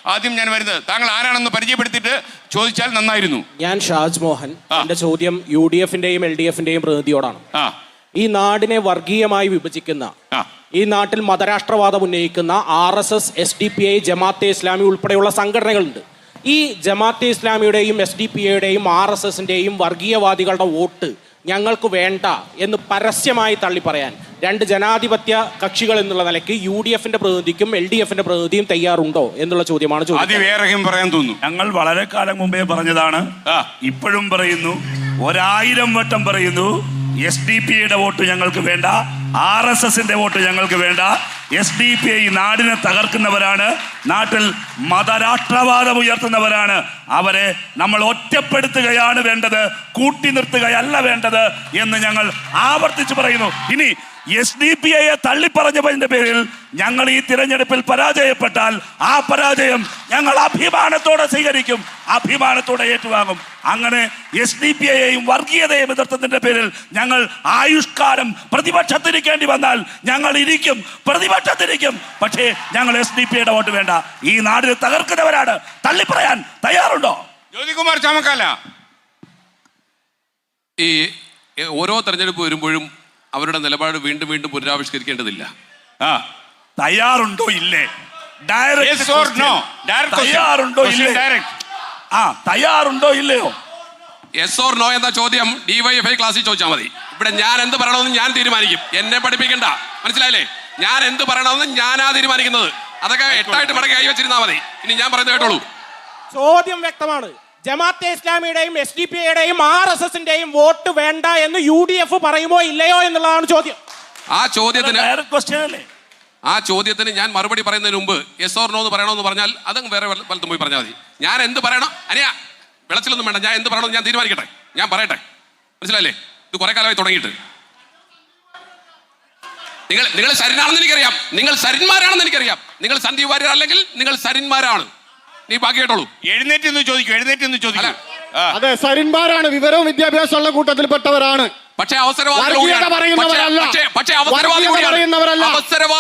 ആദ്യം ഞാൻ വരുന്നത്. താങ്കൾ ആരാണെന്ന് പരിചയപ്പെടുത്തിയിട്ട് ചോദിച്ചാൽ നന്നായിരുന്നു. ഞാൻ ഷാജ് മോഹൻ. എന്റെ ചോദ്യം UDF-ന്റെയും LDF-ന്റെയും പ്രതിനിധിയോടാണ്. ഈ നാടിനെ വർഗീയമായി വിഭജിക്കുന്ന, ഈ നാട്ടിൽ മതരാഷ്ട്രവാദം ഉന്നയിക്കുന്ന RSS, SDPI, ജമാഅത്തെ ഇസ്ലാമി ഉൾപ്പെടെയുള്ള സംഘടനകളുണ്ട്. ഈ ജമാഅത്തെ ഇസ്ലാമിയുടെയും SDPIയുടെയും RSSന്റെയും വർഗീയവാദികളുടെ വോട്ട് ഞങ്ങൾക്ക് വേണ്ട എന്ന് പരസ്യമായി തള്ളി പറയാൻ രണ്ട് ജനാധിപത്യ കക്ഷികൾ എന്നുള്ള നിലയ്ക്ക് UDF-ന്റെ പ്രതിനിധിക്കും LDF-ന്റെ പ്രതിനിധിയും തയ്യാറുണ്ടോ എന്നുള്ള ചോദ്യമാണ് ചോദിച്ചത്. പറയാൻ തോന്നുന്നു. ഞങ്ങൾ വളരെ കാലം മുമ്പേ പറഞ്ഞതാണ്, ഇപ്പോഴും പറയുന്നു, 1000 വട്ടം പറയുന്നു. SDPIയുടെ വോട്ട് ഞങ്ങൾക്ക് വേണ്ട, RSSന്റെ വോട്ട് ഞങ്ങൾക്ക് വേണ്ട. SDPI നാടിനെ തകർക്കുന്നവരാണ്, നാട്ടിൽ മതരാഷ്ട്രവാദം ഉയർത്തുന്നവരാണ്. അവരെ നമ്മൾ ഒറ്റപ്പെടുത്തുകയാണ് വേണ്ടത്, കൂട്ടി നിർത്തുകയല്ല വേണ്ടത് എന്ന് ഞങ്ങൾ ആവർത്തിച്ച് പറയുന്നു. ഇനി SDPIയെ തള്ളിപ്പറഞ്ഞതിന്റെ പേരിൽ ഞങ്ങൾ ഈ തിരഞ്ഞെടുപ്പിൽ പരാജയപ്പെട്ടാൽ ആ പരാജയം ഞങ്ങൾ അഭിമാനത്തോടെ സ്വീകരിക്കും, അഭിമാനത്തോടെ ഏറ്റുവാങ്ങും. അങ്ങനെ SDPIയെയും വർഗീയതയും എതിർത്തതിന്റെ പേരിൽ ഞങ്ങൾ ആയുഷ്കാലം പ്രതിപക്ഷത്തിരിക്കേണ്ടി വന്നാൽ ഞങ്ങൾ ഇരിക്കും, പ്രതിപക്ഷത്തിരിക്കും. പക്ഷേ ഞങ്ങൾ SDPIയുടെ വോട്ട് വേണ്ട. ഈ നാടിനെ തകർക്കുന്നവരാണ്. തള്ളിപ്പറയാൻ തയ്യാറുണ്ടോ? ജ്യോതികുമാർ ചാമക്കാല. ഈ ഓരോ തെരഞ്ഞെടുപ്പ് വരുമ്പോഴും അവരുടെ നിലപാട് വീണ്ടും വീണ്ടും പുനരാവിഷ്കരിക്കേണ്ടതില്ല. തയ്യാറുണ്ടോ ഇല്ലേ? തയ്യാറുണ്ടോ ഇല്ലേ? തയ്യാറുണ്ടോ ഇല്ലയോ? യെസ് ഓർ നോ എന്ന ചോദ്യം DYFI ക്ലാസ്സിൽ ചോദിച്ചാൽ മതി. ഇവിടെ ഞാൻ എന്ത് പറയണമെന്ന് ഞാൻ തീരുമാനിക്കും, എന്നെ പഠിപ്പിക്കണ്ട. മനസ്സിലായില്ലേ? ഞാൻ എന്ത് പറയണമെന്ന് ഞാനാ തീരുമാനിക്കുന്നത്. അതൊക്കെ 8 മടങ്ങി കൈ വെച്ചിരുന്നാൽ മതി. ഇനി ഞാൻ പറയുന്നത് കേട്ടോളൂ. ചോദ്യം വ്യക്തമാണ്. ജമാഅത്തെ ഇസ്ലാമിയുടെയും SDPIയുടെയും RSSന്റെയും വോട്ട് വേണ്ട എന്ന് UDF പറയുമോ ഇല്ലയോ എന്നുള്ളതാണ് ചോദ്യം. ആ ചോദ്യത്തിന് ഞാൻ മറുപടി പറയുന്നതിന് മുമ്പ് യെസ് ഓർ നോ എന്ന് പറയണമെന്ന് പറഞ്ഞാൽ അതങ്ങ് വേറെ വലത്തും പോയി പറഞ്ഞാൽ മതി. ഞാൻ എന്ത് പറയണം അനിയ വിളച്ചിലൊന്നും വേണ്ട, ഞാൻ എന്ത് പറയണമെന്ന് ഞാൻ തീരുമാനിക്കട്ടെ, ഞാൻ പറയട്ടെ. മനസ്സിലായില്ലേ? ഇത് കുറെ കാലമായി തുടങ്ങിയിട്ട്. നിങ്ങൾ സരിനാണെന്ന് എനിക്കറിയാം, നിങ്ങൾ സരിന്മാരാണെന്ന് എനിക്കറിയാം. നിങ്ങൾ സന്ദീപ് വാര്യർ അല്ലെങ്കിൽ നിങ്ങൾ സരിന്മാരാണ്. നീ ബാക്കി കേട്ടോളൂ. എഴുന്നേറ്റ് ചോദിക്കും. അതെ, സരിന്മാരാണ്, വിവരവും വിദ്യാഭ്യാസമുള്ള കൂട്ടത്തിൽപ്പെട്ടവരാണ്. പക്ഷേ അവസരവാദികളല്ല.